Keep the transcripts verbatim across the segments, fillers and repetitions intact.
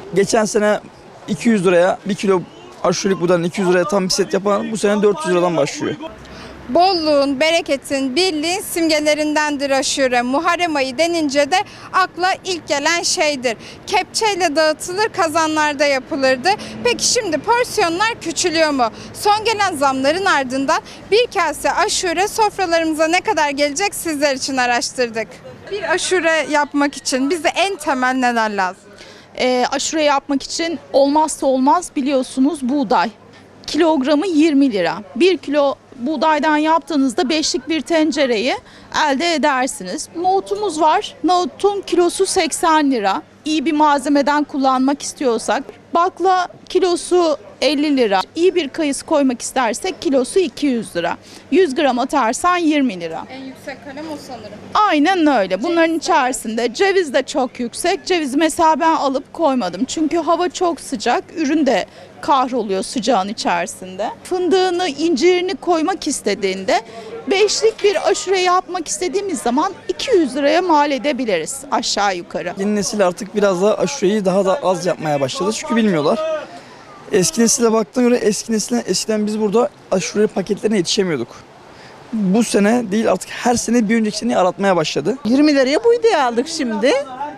geçen sene iki yüz liraya bir kilo aşurelik buğdanın iki yüz liraya tam bir set yapan bu sene dört yüz liradan başlıyor. Bolluğun, bereketin, birliğin simgelerindendir aşure. Muharrem ayı denince de akla ilk gelen şeydir. Kepçeyle dağıtılır, kazanlarda yapılırdı. Peki şimdi porsiyonlar küçülüyor mu? Son gelen zamların ardından bir kase aşure sofralarımıza ne kadar gelecek sizler için araştırdık. Bir aşure yapmak için bize en temel neler lazım? E, aşure yapmak için olmazsa olmaz biliyorsunuz buğday. Kilogramı yirmi lira. bir kilo buğdaydan yaptığınızda beşlik bir tencereyi elde edersiniz. Nohutumuz var. Nohutun kilosu seksen lira. İyi bir malzemeden kullanmak istiyorsak bakla kilosu elli lira. İyi bir kayısı koymak istersek kilosu iki yüz lira. yüz gram atarsan yirmi lira. En yüksek kalem o sanırım. Aynen öyle. Bunların içerisinde ceviz de çok yüksek. Cevizi mesela ben alıp koymadım. Çünkü hava çok sıcak. Ürün de kahroluyor sıcağın içerisinde. Fındığını, incirini koymak istediğinde beşlik bir aşure yapmak istediğimiz zaman iki yüz liraya mal edebiliriz aşağı yukarı. Yeni nesil artık biraz da aşureyi daha da az yapmaya başladı çünkü bilmiyorlar. Eski nesile baktığına göre eski nesile eskiden biz burada aşure paketlerine yetişemiyorduk. Bu sene değil artık her sene bir önceki seneyi aratmaya başladı. yirmi liraya buğday aldık şimdi.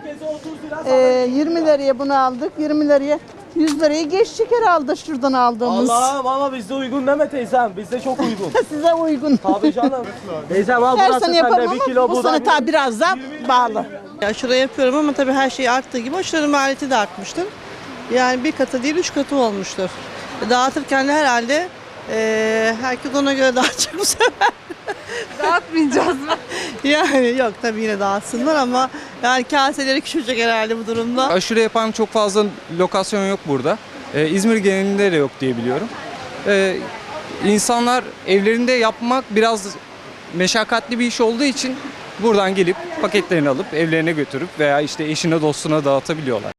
Ee, yirmi liraya bunu aldık. yirmi liraya yüz liraya geç şeker aldı şuradan aldığımız. Allah'ım ama bizde uygun deme teyzem. Bizde çok uygun. Size uygun. Tabii canım. Teyzem al Her burası sene yaparım sende bir ama kilo bu buğday. sene tabii biraz daha bağlı. Aşure yapıyorum ama tabii her şey arttığı gibi aşurenin maliyeti de artmıştır. Yani bir katı değil üç katı olmuştur. Dağıtırken de herhalde e, herkes ona göre dağıtacak bu sefer. Dağıtmayacağız mı? Yani yok tabii yine dağıtsınlar ama yani kaseleri küçülecek herhalde bu durumda. Aşure yapan çok fazla lokasyon yok burada. Ee, İzmir genelinde de yok diye biliyorum. Ee, insanlar evlerinde yapmak biraz meşakkatli bir iş olduğu için buradan gelip paketlerini alıp evlerine götürüp veya işte eşine dostuna dağıtabiliyorlar.